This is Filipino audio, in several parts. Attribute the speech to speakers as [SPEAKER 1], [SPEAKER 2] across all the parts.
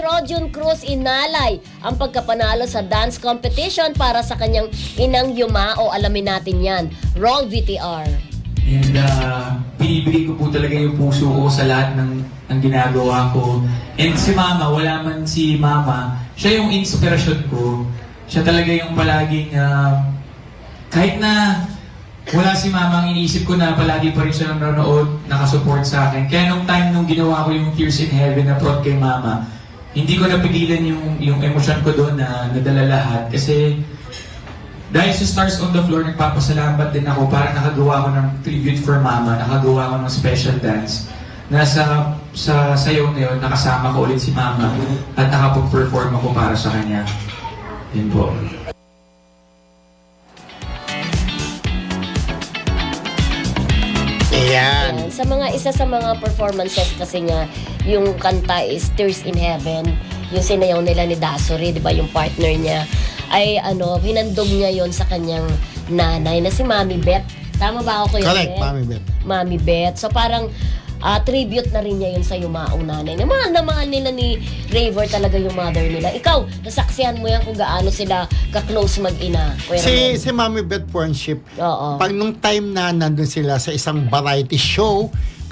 [SPEAKER 1] Rojun Cruz inalay ang pagkapanalo sa dance competition para sa kanyang inang Yuma o alamin natin yan. Roll VTR.
[SPEAKER 2] And pinibigay ko po talaga yung puso ko sa lahat ng ginagawa ko. And si Mama, wala man si Mama, siya yung inspirasyon ko. Siya talaga yung palaging, kahit na wala si Mama, ang iniisip ko na palagi pa rin siya nanonood, nakasupport sa akin. Kaya nung time nung ginawa ko yung Tears in Heaven na prod kay Mama, hindi ko napigilan yung emosyon ko doon na nadala lahat. Kasi dahil sa Stars on the Floor, nagpapasalamat din ako para nakagawa ko ng tribute for Mama, nakagawa ko ng special dance. Nasa sa sayaw na yun, nakasama ko ulit si Mama at nakapag-perform ako para sa kanya. Yun po.
[SPEAKER 1] Ayan. Isa sa mga performances kasi nga, yung kanta is Tears in Heaven, yung sinayaw nila ni Dasuri, di ba, yung partner niya, ay hinandog niya yon sa kanyang nanay na si Mami Beth. Tama ba ako, Kuya
[SPEAKER 3] Correct,
[SPEAKER 1] Beth?
[SPEAKER 3] Mami Beth.
[SPEAKER 1] Mami Beth. So parang tribute na rin niya yun sa yumaong nanay. Mahal na mahal nila ni Raver talaga yung mother nila. Ikaw, nasaksihan mo yan kung gaano sila ka-close mag-ina. Kuya Ramon.
[SPEAKER 3] Si Mami Beth Friendship,
[SPEAKER 1] Oo.
[SPEAKER 3] pag nung time na nandun sila sa isang variety show,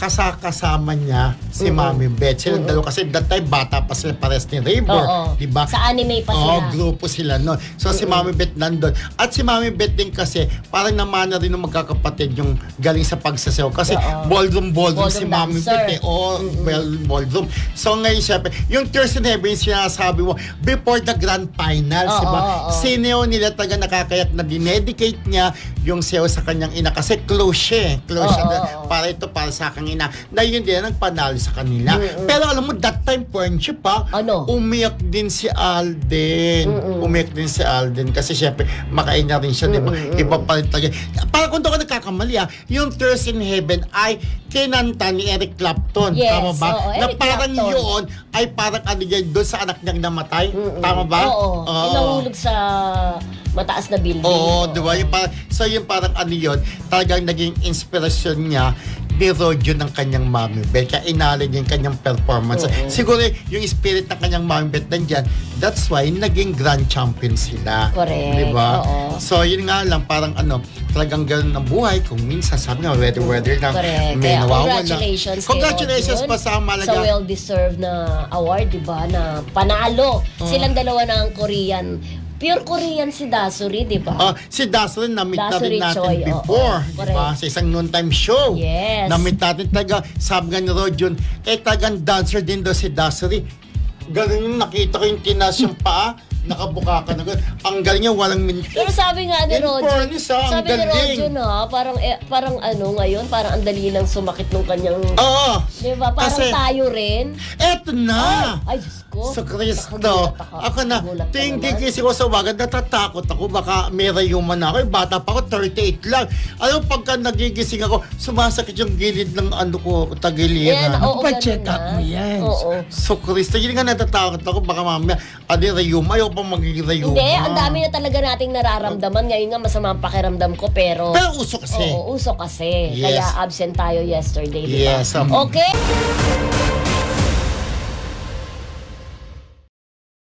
[SPEAKER 3] kasama niya si Mami Beth. Silang dalawa kasi that time bata pa sila pares ni Raver.
[SPEAKER 1] Oo.
[SPEAKER 3] Diba?
[SPEAKER 1] Sa anime pa sila.
[SPEAKER 3] Oo, grupo sila noon. So si Mami Beth nandun. At si Mami Beth din kasi parang namana rin ng magkakapatid yung galing sa pagsasayaw. Kasi
[SPEAKER 1] Oo.
[SPEAKER 3] ballroom si Mami
[SPEAKER 1] dancer.
[SPEAKER 3] Beth eh. Oo, ballroom. So ngayon syempre, yung Tears in Heaven yung sinasabi mo, before the grand finals,
[SPEAKER 1] Oo,
[SPEAKER 3] diba?
[SPEAKER 1] oo.
[SPEAKER 3] Sineo nila taga nakakayak na dinedicate niya yung sayaw sa kanyang ina. Kasi close siya eh. Close siya.
[SPEAKER 1] Oo.
[SPEAKER 3] Para ito, para sa aking ina. Na yun din ang panalo sa kanila. Pero alam mo, that time, friendship ha,
[SPEAKER 1] Ano?
[SPEAKER 3] umiyak din si Alden. Umiyak din si Alden. Kasi syempre, makaina rin siya, di ba? Iba pa rin talaga. Para kung doon ka nagkakamali ha, yung Tears in Heaven ay kinanta ni Eric Clapton.
[SPEAKER 1] Yes,
[SPEAKER 3] Tama ba?
[SPEAKER 1] oo,
[SPEAKER 3] Na
[SPEAKER 1] Eric
[SPEAKER 3] parang
[SPEAKER 1] Clapton.
[SPEAKER 3] yun ay parang doon sa anak niyang namatay. Tama ba?
[SPEAKER 1] Oo. Pinahulog sa mataas na building.
[SPEAKER 3] Oo, di ba? So yung parang yun, talagang naging inspirasyon niya ni Rojo ng kanyang Mami Beth. Kaya inalin niya yung kanyang performance. Siguro yung spirit ng kanyang Mami Beth nandyan, that's why naging grand champion sila.
[SPEAKER 1] Correct.
[SPEAKER 3] Di ba?
[SPEAKER 1] Oo.
[SPEAKER 3] So yun nga lang, parang talagang ganun ang buhay. Kung minsan sabi nga, weather lang,
[SPEAKER 1] Correct.
[SPEAKER 3] may
[SPEAKER 1] Kaya
[SPEAKER 3] nawawala.
[SPEAKER 1] congratulations kay
[SPEAKER 3] Congratulations
[SPEAKER 1] Rojun
[SPEAKER 3] pa sa Malaga.
[SPEAKER 1] sa well-deserved na award, di ba? Na panalo. Silang dalawa ng Korean. Pure Korean si Dasuri, di ba?
[SPEAKER 3] Si Dazzle, na-meet na
[SPEAKER 1] Dasuri
[SPEAKER 3] rin natin
[SPEAKER 1] Choi,
[SPEAKER 3] before.
[SPEAKER 1] oo.
[SPEAKER 3] Diba? Sa isang noontime show.
[SPEAKER 1] Yes.
[SPEAKER 3] Na-meet natin talaga, sabi nga ni Rojun, tagang dancer din daw si Dasuri. Ganun yung nakita ko yung tinas yung paa, nakabuka ka na gano'n. Ang galing niya, walang minute.
[SPEAKER 1] Pero sabi nga ni
[SPEAKER 3] In
[SPEAKER 1] Rojun,
[SPEAKER 3] fairness, ang
[SPEAKER 1] sabi ni
[SPEAKER 3] galing.
[SPEAKER 1] Rojun parang ngayon, parang ang dali lang sumakit nung kanyang,
[SPEAKER 3] Oo.
[SPEAKER 1] di ba? Parang
[SPEAKER 3] Kasi,
[SPEAKER 1] tayo rin.
[SPEAKER 3] eto na!
[SPEAKER 1] Ay, Diyos ko.
[SPEAKER 3] Sa Kristo,
[SPEAKER 1] Nakagulat
[SPEAKER 3] ako na,
[SPEAKER 1] Nagulat ka
[SPEAKER 3] ting
[SPEAKER 1] naman.
[SPEAKER 3] gigising ko sa wagan, natatakot ako, baka may rayuman na ako, bata pa ako, 38 lang. Alam, pagka nagigising ako, sumasakit yung gilid ng tagiliran.
[SPEAKER 1] Yan, oo,
[SPEAKER 4] Pa-check
[SPEAKER 1] ganun
[SPEAKER 4] up
[SPEAKER 1] na.
[SPEAKER 4] mo yan.
[SPEAKER 1] Oo.
[SPEAKER 3] So, Kristo, yun nga natatakot ako, baka mamaya, rayuma, ayaw pa magiging rayuma.
[SPEAKER 1] Hindi, ang dami na talaga nating nararamdaman. Ngayon nga masama ang pakiramdam ko, pero
[SPEAKER 3] uso kasi.
[SPEAKER 1] oo, uso kasi.
[SPEAKER 3] Yes.
[SPEAKER 1] Kaya absent tayo yesterday, di ba?
[SPEAKER 3] Yes.
[SPEAKER 1] Okay?